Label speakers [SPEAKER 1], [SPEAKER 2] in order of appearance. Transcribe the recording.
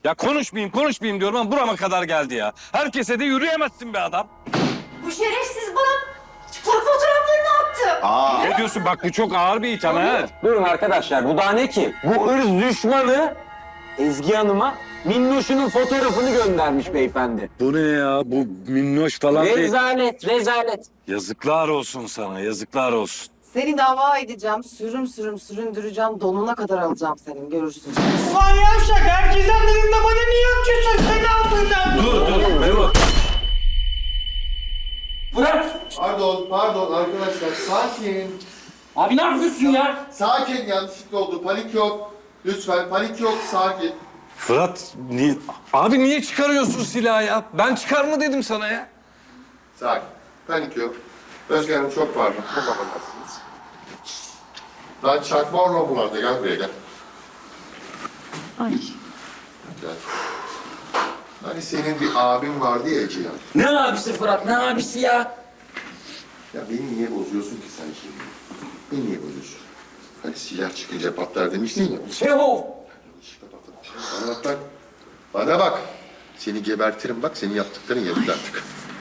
[SPEAKER 1] Ya konuşmayayım diyorum ama burama kadar geldi ya. Herkese de yürüyemezsin be adam.
[SPEAKER 2] Bu şerefsiz bana fotoğraflarını attı.
[SPEAKER 1] Ne diyorsun? Bak bu çok ağır bir itham ha.
[SPEAKER 3] Durun arkadaşlar, bu daha ne ki? Bu ırz düşmanı Ezgi Hanım'a Minnoş'unun fotoğrafını göndermiş beyefendi.
[SPEAKER 1] Bu ne ya? Bu minnoş falan değil.
[SPEAKER 3] Rezalet, rezalet.
[SPEAKER 1] Yazıklar olsun sana, yazıklar olsun.
[SPEAKER 4] Seni dava edeceğim, süründüreceğim, donuna kadar alacağım senin, görürsün.
[SPEAKER 5] Ulan yavşak, herkesten dedin de bana niye atıyorsun? Seni altından.
[SPEAKER 1] Dur, Memo.
[SPEAKER 3] Bırak!
[SPEAKER 6] Pardon arkadaşlar sakin.
[SPEAKER 3] Abi ne yapıyorsun ya?
[SPEAKER 6] Sakin, yanlışlıkla oldu. Panik yok. Lütfen panik yok, sakin.
[SPEAKER 1] Fırat, niye çıkarıyorsun silahı ya? Ben çıkar mı dedim sana ya?
[SPEAKER 6] Sakin. Panik yok. Özge Hanım çok pardon. Çok affedersiniz. Lan çakma orman bunlarda. Gel buraya gel.
[SPEAKER 2] Ay.
[SPEAKER 6] Gel. Hani senin bir abin vardı ya Ece ya.
[SPEAKER 3] Ne abisi Fırat, ne abisi ya?
[SPEAKER 6] Ya beni niye bozuyorsun ki sen şimdi? Beni niye bozuyorsun? Hani silah çıkınca patlar demiştin ya.
[SPEAKER 3] Şehov!
[SPEAKER 6] Bana bak. Bana bak. Seni gebertirim bak. Senin yaptıkların yetti artık.